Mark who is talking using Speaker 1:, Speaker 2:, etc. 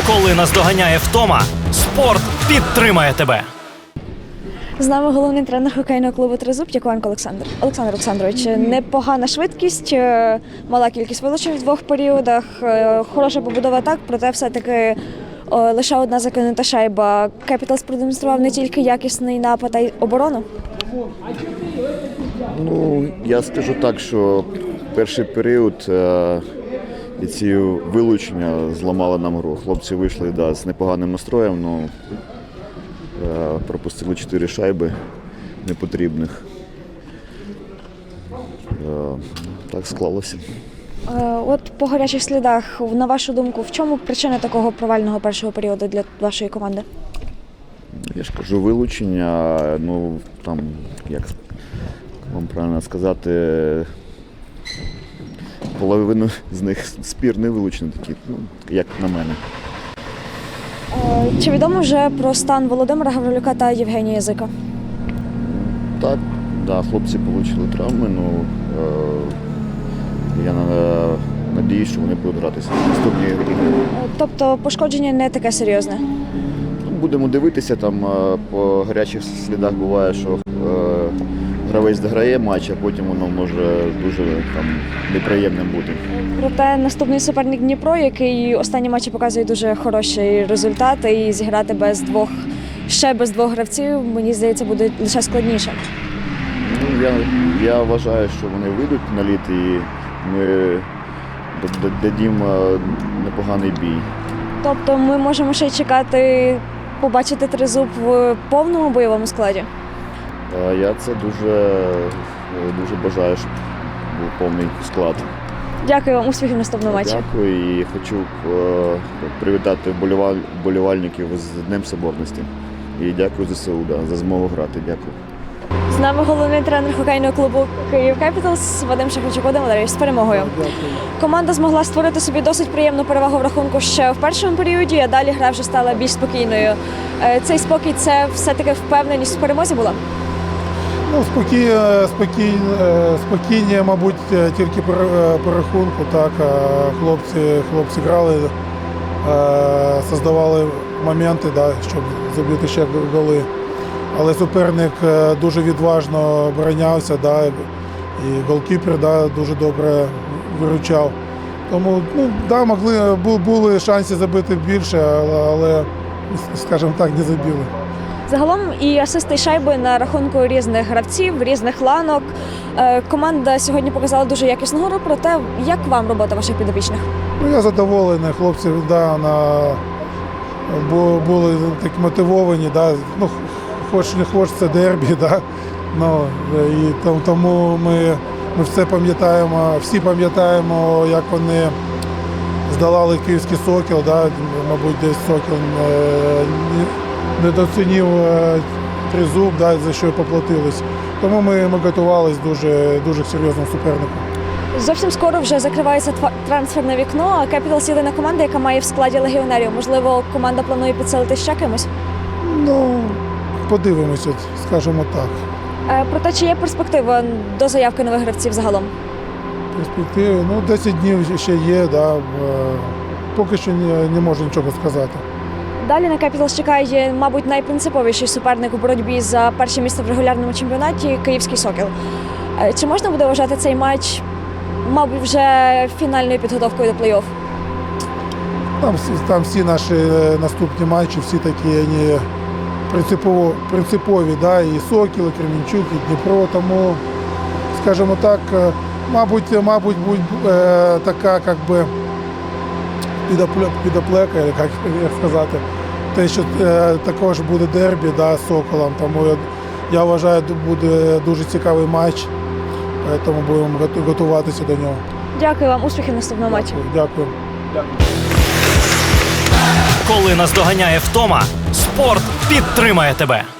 Speaker 1: Коли наздоганяє втома, спорт підтримає тебе.
Speaker 2: З нами головний тренер хокейного клубу «Тризуб» Яковенко Олександр. Олександр Олександрович, непогана швидкість, мала кількість вилучень в двох періодах, хороша побудова атак, проте все-таки лише одна закинута шайба. Кепіталс продемонстрував не тільки якісний напад, а й оборону.
Speaker 3: Ну, я скажу так, що перший період і ці вилучення зламали нам гру. Хлопці вийшли з непоганим настроєм, але пропустили 4 шайби непотрібних. Так склалося.
Speaker 2: От по гарячих слідах, на вашу думку, в чому причина такого провального першого періоду для вашої команди?
Speaker 3: Я ж кажу, вилучення, ну там, як вам правильно сказати, половину з них спірні вилучені такі, ну, як на мене.
Speaker 2: Чи відомо вже про стан Володимира Гаврилюка та Євгенія Язика?
Speaker 3: Так, да, хлопці отримали травми, ну я надіюсь, що вони будуть гратися в наступній грі.
Speaker 2: Тобто пошкодження не таке серйозне?
Speaker 3: Будемо дивитися, там по гарячих слідах буває, що гравець дограє матч, а потім воно може дуже там неприємним бути.
Speaker 2: Проте наступний суперник Дніпро, який останні матчі показує дуже хороші результати, і зіграти ще без двох гравців, мені здається, буде лише складніше.
Speaker 3: Ну, я вважаю, що вони вийдуть на лід і ми дадімо непоганий бій.
Speaker 2: Тобто ми можемо ще й чекати побачити Тризуб в повному бойовому складі?
Speaker 3: Я це дуже бажаю, щоб був повний склад.
Speaker 2: Дякую вам, успіхів в наступному матчі.
Speaker 3: Дякую і хочу привітати вболівальників з Днем Соборності. І дякую ЗСУ за змогу грати. Дякую.
Speaker 2: З нами головний тренер хокейного клубу «Київ Кепіталс» Вадим Шахарчук. Вадим Валерійович, з перемогою. Команда змогла створити собі досить приємну перевагу в рахунку ще в першому періоді, а далі гра вже стала більш спокійною. Цей спокій – це все-таки впевненість в перемозі була?
Speaker 4: Ну, спокійні, мабуть, тільки по рахунку. Так, хлопці грали, создавали моменти, да, щоб забити ще голи. Але суперник дуже відважно оборонявся, да, і голкіпер, да, дуже добре виручав. Тому да, були шанси забити більше, але, скажімо так, не забили.
Speaker 2: Загалом і асисти, і шайби на рахунку різних гравців, різних ланок. Команда сьогодні показала дуже якісну гру, проте як вам робота ваших підопічних?
Speaker 4: Ну, я задоволений, хлопці були такі мотивовані, да, ну, хоч не хоч це дербі, да, ну, і тому ми все пам'ятаємо, всі пам'ятаємо, як вони здолали київський «Сокіл», да, мабуть, десь «Сокіл» недооцінив «Тризуб», да, за що й поплатились. Тому ми готувалися дуже серйозному супернику.
Speaker 2: Зовсім скоро вже закривається трансферне вікно, а Кепіталс – єдина команда, яка має в складі легіонерів. Можливо, команда планує підсилити ще кимось?
Speaker 4: Ну, подивимося, скажімо так.
Speaker 2: Проте, чи є перспектива до заявки нових гравців загалом?
Speaker 4: Перспективи, 10 днів ще є, да, поки що не можу нічого сказати.
Speaker 2: Далі на Кепіталс чекає, мабуть, найпринциповіший суперник у боротьбі за перше місце в регулярному чемпіонаті – київський «Сокіл». Чи можна буде вважати цей матч, мабуть, вже фінальною підготовкою до плей-офф?
Speaker 4: Там всі наші наступні матчі, всі такі вони принципові, да, і «Сокіл», і Кременчук, і Дніпро, тому, скажімо так, мабуть, така, як би, підоплека, як сказати, те, що також буде дербі, да, з «Соколом», тому я вважаю, буде дуже цікавий матч, тому будемо готуватися до нього.
Speaker 2: Дякую вам, успіхів в наступному матчі.
Speaker 4: Дякую.
Speaker 1: Коли наздоганяє втома, спорт підтримає тебе.